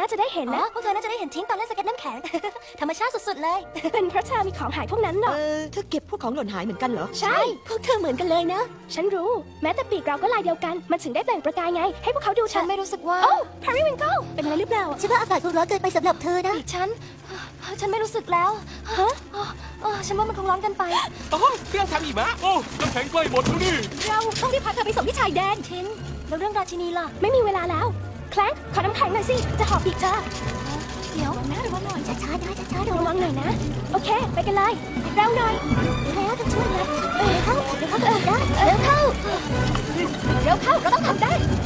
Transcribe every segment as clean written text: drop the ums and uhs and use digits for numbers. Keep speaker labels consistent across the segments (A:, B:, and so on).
A: จะได้เห็นนะ
B: พวกเธอน่าจะได้เห็นทิ้งตอนเล่นสเก็ตน้ำแข็ง ธรรมชาติสุดๆเลย
A: เป็นเพราะเธอมีของหายพวกนั้นเหรอ
C: เธอเก็บพวกของหล่นหายเหมือนกันเหรอ
A: ใช่ พวกเธอเหมือนกันเลยนะ ฉันรู้ แม้แต่ปีกเราก็ลายเดียวกัน มันถึงได้แบ่งประกายไง ให้พวกเขาดู
B: ฉันไม่รู้สึกว่า
A: โอ้พาริวิงเกิลเป็นอะไรหรือเปล่า
B: ฉันว่าอากาศคงร้อนเกินไปสำหรับเธอนะฉันไม่รู้สึกแล้ว
A: ฮะ
B: ฉันว่ามันคงร้อนเกินไป
D: โอ้เครื่องทำหิมะโอ้น้ำแข็งใกล้หมดแล้วนี่
A: เราต้องรีบพาเธอไปส่งที่ชายแดน
B: ทิ้นแล้วเรื่องราชินีล่ะ
A: ไม่มีเวลาแล้ว แคลงขอน้ำแข็งหน่อยสิ จะหอบปีกเธอ
B: เดี๋ยวระวังหน่อยช้าๆนะช้าๆ
A: ระวังหน่อยนะ โอเค ไปกันเลย เร็วหน่อย
B: แล้วต้องช่วยเลยเร็วเข้าเร็วเข้าได้เร็วเข้า
A: เร็วเข้า เราต้องทำได้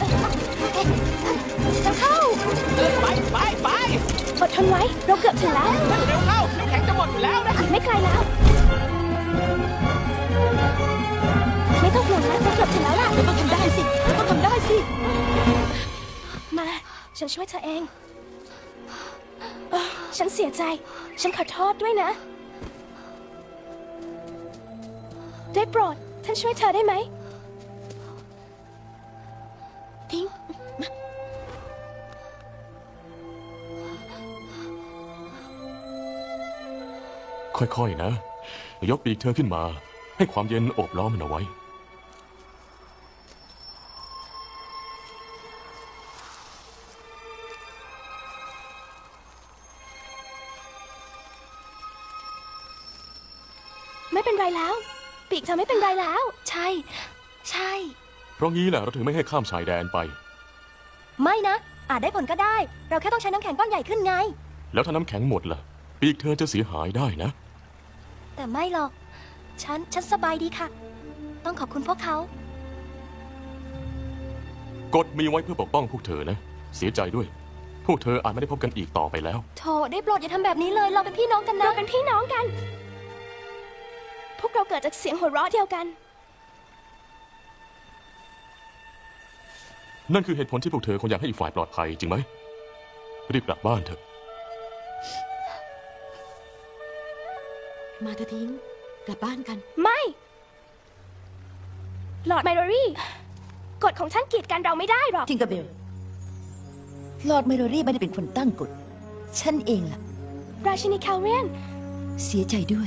A: เร็วเข้า
D: ไป
A: อดทนไว้ เราเกือบถึงแล้ว
D: เร็วเข้าน้ำแข็งจะหมดอยู่แล้วนะ
A: อีกไม่ไกลแล้ว ไม่ต้องห่วงนะเราเกือบถึงแล้วล่ะ
C: เราต้องทำได้สิ เราต้องทำได้สิ
A: มา ฉันช่วยเธอเองฉันเสียใจ ฉันขอโทษด้วยนะ ได้โปรด ท่านช่วยเธอได้ไหม ทิ้ง
D: ค่อยๆนะ ยกปีกเธอขึ้นมา ให้ความเย็นโอบล้อมมันเอาไว้
A: ไม่เป็นไรแล้ว ปีกเธอไม่เป็นไรแล้ว
B: ใช่
D: เพราะงี้แหละเราถึงไม่ให้ข้ามชายแดนไป
B: ไม่นะ อาจได้ผลก็ได้ เราแค่ต้องใช้น้ำแข็งก้อนใหญ่ขึ้นไง
D: แล้วถ้าน้ำแข็งหมดล่ะ ปีกเธอจะเสียหายได้นะ
B: แต่ไม่หรอก ฉันสบายดีค่ะ ต้องขอบคุณพวกเขา
D: กฎมีไว้เพื่อปกป้องพวกเธอนะ เสียใจด้วย พวกเธออาจไม่ได้พบกันอีกต่อไปแล้ว
B: โถได้โปรดอย่าทำแบบนี้เลย เราเป็นพี่น้องกันนะ
A: เราเป็นพี่น้องกัน พวกเราเกิดจากเสียงหัวเราะเดียวกัน
D: นั่นคือเหตุผลที่พวกเธอคงอยากให้อีกฝ่ายปลอดภัยจริงไหม รีบกลับบ้านเถอะ
C: มาเธอทิ้ง กลับบ้านกัน
A: ไม่ หลอร์ดไมโรรี่ กฎของฉันกีดกันเราไม่ได้หรอก
E: ทิงเกอร์เบล ลอร์ดไมโรรี่ไม่ได้เป็นคนตั้งกฎ ฉันเองล่ะ
A: ราชินีแคลเรียน
E: เสียใจด้วย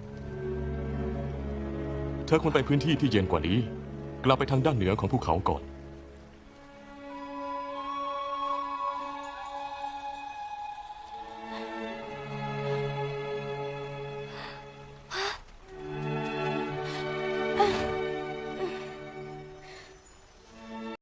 D: เธอควรไปพื้นที่ที่เย็นกว่านี้ กลับไปทางด้านเหนือของภูเขาก่อน